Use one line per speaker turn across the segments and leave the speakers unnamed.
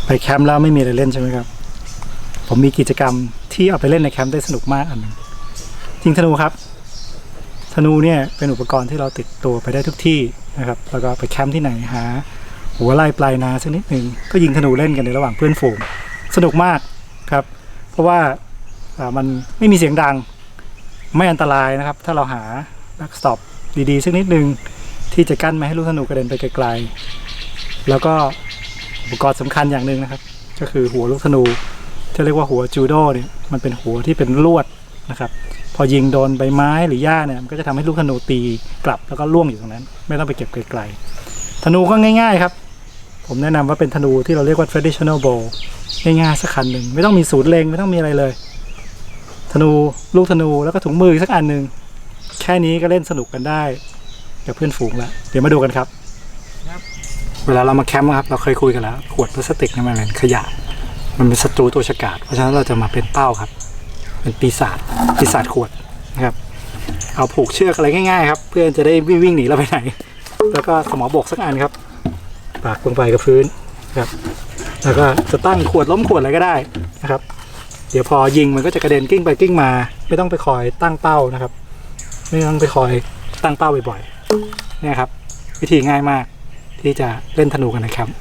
ไปแคมป์แล้วไม่มีอะไรเล่นใช่ไหมครับผมมีกิจกรรมที่เอาไปเล่นในแคมป์ได้สนุกมากอันนึงยิงธนูครับธนูเนี่ยเป็นอุปกรณ์ที่เราติดตัวไปได้ทุกที่นะครับแล้วก็ไปแคมป์ที่ไหนหาหัวไล่ปลายนาสักนิดหนึ่งก็ยิงธนูเล่นกันในระหว่างเพื่อนฝูงสนุกมากครับเพราะว่ามันไม่มีเสียงดังไม่อันตรายนะครับถ้าเราหาแบ็กสต็อปดีๆสักนิดหนึ่งที่จะกั้นไม่ให้ลูกธนูกระเด็นไปไกลๆแล้วก็อุปกรณ์สำคัญอย่างหนึ่งนะครับก็คือหัวลูกธนูที่เรียกว่าหัวจูโดเนี่ยมันเป็นหัวที่เป็นลวดนะครับพอยิงโดนใบไม้หรือหญ้าเนี่ยมันก็จะทำให้ลูกธนูตีกลับแล้วก็ล่วงอยู่ตรงนั้นไม่ต้องไปเก็บไกลๆธนูก็ง่ายๆครับผมแนะนำว่าเป็นธนูที่เราเรียกว่า traditional bow ง่ายๆสักคันหนึ่งไม่ต้องมีศูนย์เล็งไม่ต้องมีอะไรเลยธนูลูกธนูแล้วก็ถุงมือสักอันหนึ่งแค่นี้ก็เล่นสนุกกันได้กับเพื่อนฝูงแล้วเดี๋ยวมาดูกันครับเวลาเรามาแคมป์ครับเราเคยคุยกันแล้วขวดพลาสติกนี่มันเป็นขยะมันเป็นศัตรูตัวฉกาจเพราะฉะนั้นเราจะมาเป็นเป้าครับเป็นปีศาจขวดนะครับเอาผูกเชือกอะไรง่ายๆครับเพื่อจะได้วิ่งหนีเราไปไหนแล้วก็สมอบกสักอันครับปากลงไปกับพื้นครับแล้วก็จะตั้งขวดล้มขวดอะไรก็ได้นะครับเดี๋ยวพอยิงมันก็จะกระเด็นกิ้งไปกิ้งมาไม่ต้องไปคอยตั้งเป้านะครับไม่ต้องไปคอยตั้งเป้าบ่อยๆเนี่ยครับวิธีง่ายมากที่จะเล่นธนูกันในแคมป์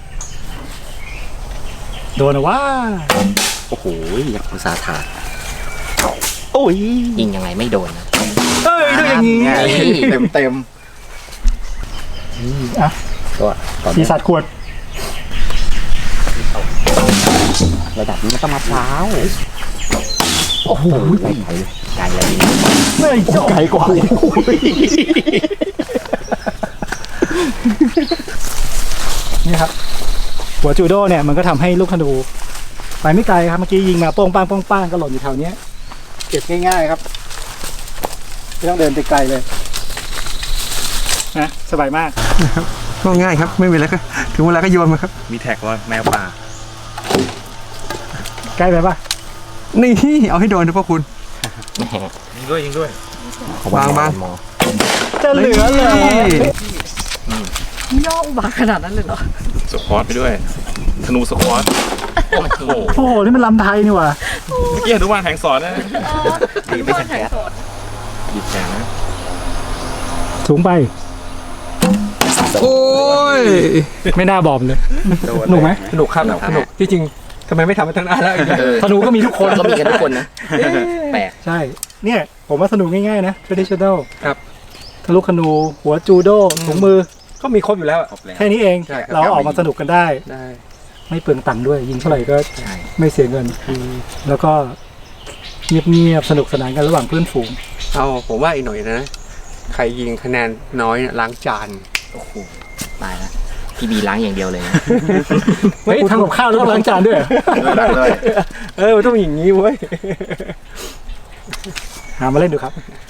โดนนะว่า
โอ้โหอยากอุตสาห์ถาด
โอ้ย
ยิงยังไงไม่โดนนะ
เอ้ยดูอย่างนี้
เต็ม
อ่ะปีศาจขวด
ระดับนี้มันต้องมะพร้าวโอ้โหไกลเลย
ไม่ไกลกว่านี่ครับหัวจูโดเนี่ยมันก็ทำให้ลูกธนูไปไม่ไกลครับเมื่อกี้ยิงมาโป้งป้างโป้งป้างก็หล่นอยู่แถวนี้เก็บง่ายๆครับไม่ต้องเดินไปไกลเลยนะสบายมาก
ก็ง่ายครับไม่มีอะไรก็ถึงเวลาก็โยนมาครับ
มีแท็กว่าแมวป่า
ใกล้ไปปะ
นี่เอาให้โดนนะพ่อคุณ
ยิงด้วย
บาง
จะเหลือเลย
ย่ออุบาขนาดนั้นเลยเหรอ
สควอตไปด้วยธนูสควอต
โอ้โหนี่มันลำไทยนี่ว่ะ
เมื่อกี้อนุบาลแห่งสอนนะ
ไม่ใช่แขน
หยิบแขนนะ
สูงไป
โอ้ย
ไม่น่าบอมเลยสนุกไหม
สนุกครับสนุกที่จริงทำไมไม่ทำมาตั้งนานแล้ว
ธนูก็มีทุกคน
ก็มีกันทุกคนนะแปลก
ใช่เนี่ยผมว่าสนุกง่ายๆนะ traditional
ครับ
ทะลุธนูหัวจูโดถุงมือ
ก็มีครบอยู่แล้ว
แค่นี้เองเราออกมาสนุกกันได้ไม่เปลืองตังค์ด้วยยิงเท่าไหร่ก็ไม่เสียเงินแล้วก็เงียบๆสนุกสนานกันระหว่างเพื่อนฝูง
เอาผมว่าอีกหน่อยนะใครยิงคะแนนน้อยล้างจาน
โอ้โหตายแล้วพี่บีล้างอย่างเดียวเลยนะ
เฮ้ยทำกับข้าวแล้วล้างจานด้วย
มันต้องอย่างนี้เว้ย
หามาเล่นดูครับ